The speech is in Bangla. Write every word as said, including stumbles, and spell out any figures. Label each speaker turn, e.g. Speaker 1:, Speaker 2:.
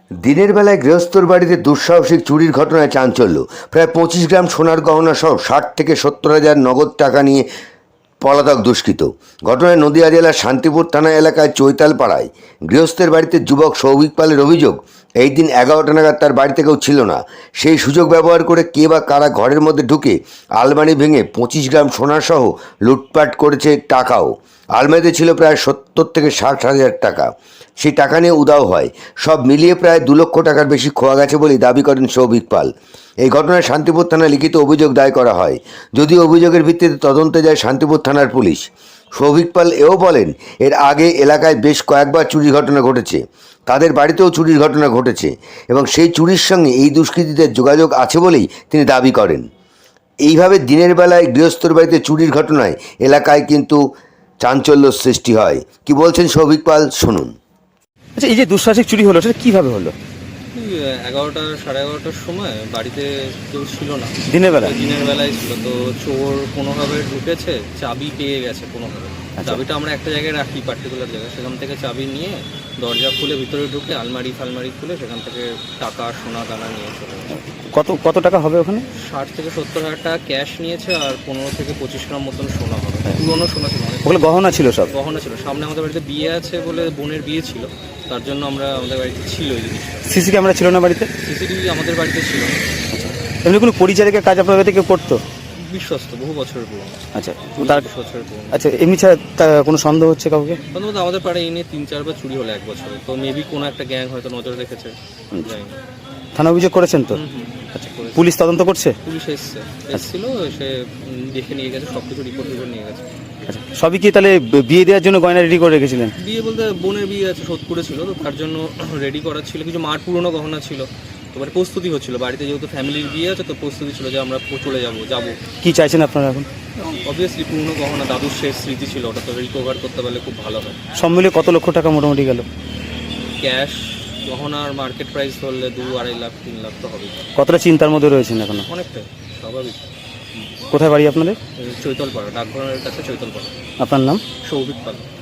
Speaker 1: দিনের বেলায় গৃহস্থর বাড়িতে দুঃসাহসিক চুরির ঘটনায় চাঞ্চল্য। প্রায় পঁচিশ গ্রাম সোনার গহনা সহ ষাট থেকে সত্তর হাজার নগদ টাকা নিয়ে পলাতক দুষ্কৃত। ঘটনায় নদিয়া জেলার শান্তিপুর থানা এলাকায় চৈতালপাড়ায় গৃহস্থের বাড়িতে যুবক সৌভিক পালের অভিযোগ, এই দিন এগারোটা নাগাদ তার বাড়িতে কেউ ছিল না। সেই সুযোগ ব্যবহার করে কে বা কারা ঘরের মধ্যে ঢুকে আলমারি ভেঙে পঁচিশ গ্রাম সোনাসহ লুটপাট করেছে। টাকাও আলমারিতে ছিল প্রায় সত্তর থেকে ষাট হাজার টাকা। সেই টাকা নিয়ে উধাও হয়। সব মিলিয়ে প্রায় দু লক্ষ টাকার বেশি খোয়া গেছে বলেই দাবি করেন সৌভিক পাল। এই ঘটনায় শান্তিপুর থানায় লিখিত অভিযোগ দায় করা হয়। যদিও অভিযোগের ভিত্তিতে তদন্তে যায় শান্তিপুর থানার পুলিশ। সৌভিক পাল এও বলেন, এর আগে এলাকায় বেশ কয়েকবার চুরির ঘটনা ঘটেছে, তাদের বাড়িতেও চুরির ঘটনা ঘটেছে এবং সেই চুরির সঙ্গে এই দুষ্কৃতীদের যোগাযোগ আছে বলেই তিনি দাবি করেন। এইভাবে দিনের বেলায় গৃহস্থর বাড়িতে চুরির ঘটনায় এলাকায় কিন্তু চাঞ্চল্য সৃষ্টি হয়। কি বলছেন সৌভিক পাল, শুনুন।
Speaker 2: আচ্ছা, এই যে দুঃসাহসিক চুরি হলো সেটা কিভাবে হলো?
Speaker 3: এগারোটা সাড়ে এগারোটার সময় বাড়িতে কেউ ছিল না,
Speaker 2: দিনের বেলা?
Speaker 3: দিনের বেলায় ছিল। তো চোর কোনোভাবে ঢুকেছে, চাবি পেয়ে গেছে কোনোভাবে। চাবিটা আমরা একটা জায়গায় রাখি, পার্টিকুলার জায়গায়, সেখান থেকে চাবি নিয়ে দরজা খুলে ভিতরে ঢুকে আলমারি ফালমারি খুলে সেখান থেকে টাকা সোনা দানা নিয়ে চলে গেছে।
Speaker 2: কত কত টাকা হবে ওখানে?
Speaker 3: ষাট থেকে সত্তর হাজার টাকা ক্যাশ নিয়েছে আর পনেরো থেকে পঁচিশ গ্রাম মতন সোনা হবে। পুরোনো সোনা ছিল, অনেক
Speaker 2: ওগুলো গহনা ছিল, সব
Speaker 3: গহনা ছিল। সামনে আমাদের বাড়িতে বিয়ে আছে বলে, বোনের বিয়ে ছিল, তার জন্য আমরা আমাদের বাড়িতে ছিল এই জিনিসটা।
Speaker 2: সিসি ক্যামেরা ছিল না বাড়িতে?
Speaker 3: সিসিটিভি আমাদের বাড়িতে ছিল।
Speaker 2: এমনি কোনো পরিচারিকার কাজ আপনার বাড়িতে কেউ করতো?
Speaker 3: বিশ্বস্ত, বহু বছরের পুরনো।
Speaker 2: আচ্ছা, তার
Speaker 3: বছরের পুরনো।
Speaker 2: আচ্ছা, এমনি ছাড়া তা কোনো সন্দেহ হচ্ছে কাউকে?
Speaker 3: প্রথমত আমাদের পাড়ায় এই নিয়ে তিন চারবার চুরি হলো এক বছরে, তো মেবি কোনো একটা গ্যাং হয়তো নজর রেখেছে, জানি না।
Speaker 2: থানা অভিযোগ করেছেন তো?
Speaker 3: আচ্ছা,
Speaker 2: পুলিশ তদন্ত করছে?
Speaker 3: পুলিশ এসছে, এসেছিল, এসে দেখে নিয়ে গেছে, সব কিছু রিপোর্ট রিপোর্ট নিয়ে গেছে।
Speaker 2: আচ্ছা, সবই কি তাহলে বিয়ে দেওয়ার জন্য গয়না রেডি করে রেখেছিলেন?
Speaker 3: বিয়ে বলতে বোনের বিয়ে আছে, সোদপুরে ছিল, তো তার জন্য রেডি করা ছিল। কিছু মার পুরনো গহনা ছিল, এবার প্রস্তুতি হচ্ছিল বাড়িতে, যেহেতু ফ্যামিলির বিয়ে আছে, তো প্রস্তুতি ছিল যে আমরা চলে যাবো যাবো
Speaker 2: কি চাইছেন আপনারা এখন?
Speaker 3: অবভিয়াসলি পুরনো গহনা, দাদুর শেষ স্মৃতি ছিল, ওটা তো রিকভার করতে পারলে খুব ভালো হয়।
Speaker 2: সব মিলিয়ে কত লক্ষ টাকা মোটামুটি গেল?
Speaker 3: ক্যাশ গহনার মার্কেট প্রাইস ধরলে দু আড়াই লাখ তিন লাখ তো হবে।
Speaker 2: কতটা চিন্তার মধ্যে রয়েছেন এখনো?
Speaker 3: অনেকটাই, স্বাভাবিক।
Speaker 2: কোথায় বাড়ি আপনাদের?
Speaker 3: চৈতলপাড়া, ডাকঘরের কাছে চৈতলপাড়া।
Speaker 2: আপনার নাম?
Speaker 3: সৌভিক পাল।